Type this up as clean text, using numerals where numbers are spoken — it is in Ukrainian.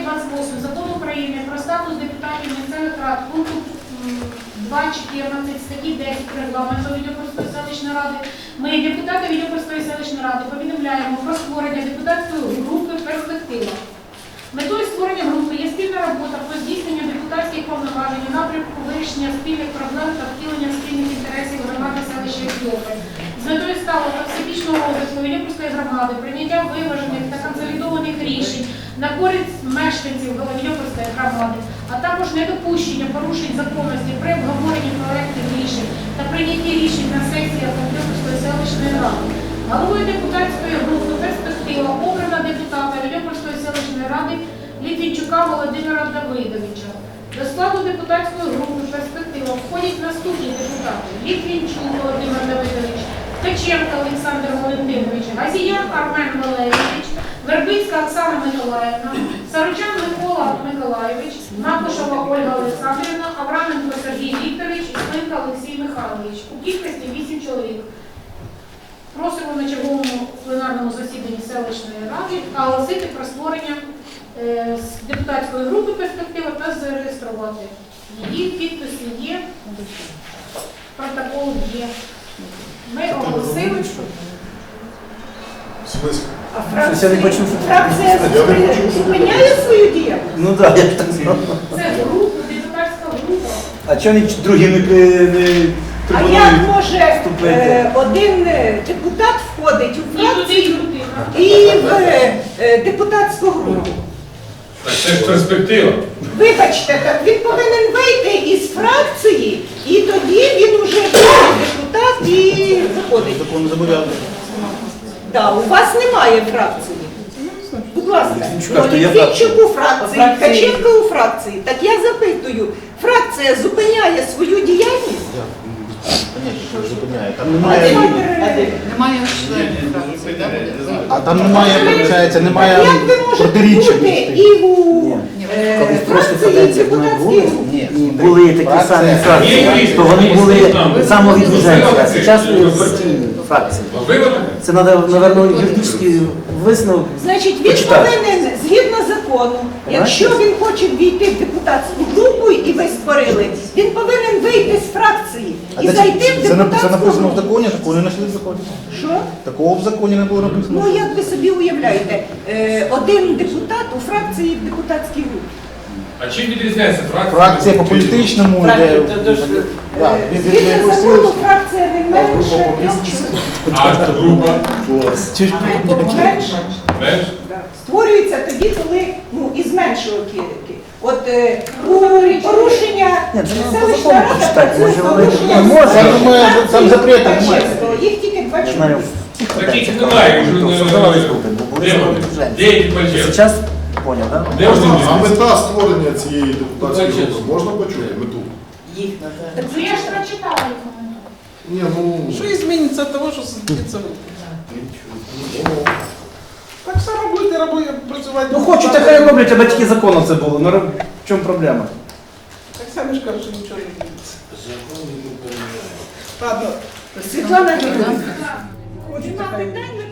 28 Закону України про статус депутатів місцевих рад пункту 2.14 статті 10 регламенту Відьопольської селищної ради ми, депутати Відьопольської селищної ради, повідомляємо про створення депутатської групи «Перспектива». Метою створення групи є спільна робота по здійсненню депутатських повноважень у напрямку вирішення спільних проблем та втілення спільних інтересів громади селища Відьополь. З метою сталого та всебічного розвитку Відьопольської громади, прийняття виважених та консолідованих рішень на користь мешканців Відьопольської громади, а також недопущення порушень законності при обговоренні проєктів рішень та прийнятті рішень на сесіях Відьопольської селищної ради. Головою депутатської групи «Перспектива» обрана депутата Відьопольської селищної ради Літвінчука Володимира Давидовича. До складу депутатської групи «Перспектива» входять наступні депутати: Літвінчук Володимир Давидович, Ткаченко Олександр Валентинович, Газіян Армен Валерійович, Вербицька Оксана Миколаївна, Саручан Микола Миколаївич, Макушева Ольга Олександрівна, Авраменко Сергій Вікторович і Слинка Олексій Михайлович. У кількості 8 чоловік. Просимо на черговому пленарному засіданні селищної ради оголосити про створення депутатської групи «Перспектива» та зареєструвати. Її підписи є, протокол є. Ми оголосили. А фракція зупиняє свою діяльність? Ну так, я ж так знав. Це група, депутатська група. А чого другі не А як може один депутат входить у фракцію і в депутатську групу? Це ж перспектива. Вибачте, так він повинен вийти із фракції, і тоді він уже депутат і заходить. Закон забороняє. Так, у вас немає фракції. Будь ласка, Літвінчук Літвінчук у фракції, Ткаченко у фракції. Так я запитую, фракція зупиняє свою діяльність? Там немає, Немає членів фракції, так? а там немає, виходить, немає Як ви можете протиріччя бути між тим. і у Коли в прошлій фракції, і каденції в вони депутатській були, групі? ні, були такі самі фракції, то вони були самовідвіженці, а зараз партійні фракції. Це треба, мабуть, юридичний висновок. Значить, він почитати. повинен, згідно закону, якщо він хоче війти в депутатську групу, і ви створили, він повинен вийти з фракції і зайти в Це депутатську написано в групу. законі, такого не знайшли в законі. Що? Такого в законі не було написано. Ну, як ви собі уявляєте, один депутат у фракції в депутатській групі. А чим відрізняється фракція? Фракція по політичному йде. Да, від Згідно якоїсь закону, сили. фракція не менше 3 чоловік. А група? Менше. Менш? Створюється тоді, коли із меншого кілки. От у порушення селищна рада почитати, працює може, з вони порушенням не можуть, закону. я думаю, там запрету Так, немає. чесно, їх тільки 2 Я знаю, чоловіка. в цих Таких каденціях немає, то вже создавались групи, бо були де вони? самовідвіженці. Де які пальчики? Зараз поняв, так? Де вони? А мета створення цієї депутатської групи можна почути мету? Так я ж прочитала їх коментар. Ні, ну Що зміниться від того, що сидиться? Так само будете працювати. Ну хочуть, так хай роблять, а батьки закону це було. Ну в чому проблема? Так самі ж кажуть, що нічого не зміниться. Ладно. Світлана Юрійовна, хочу питання.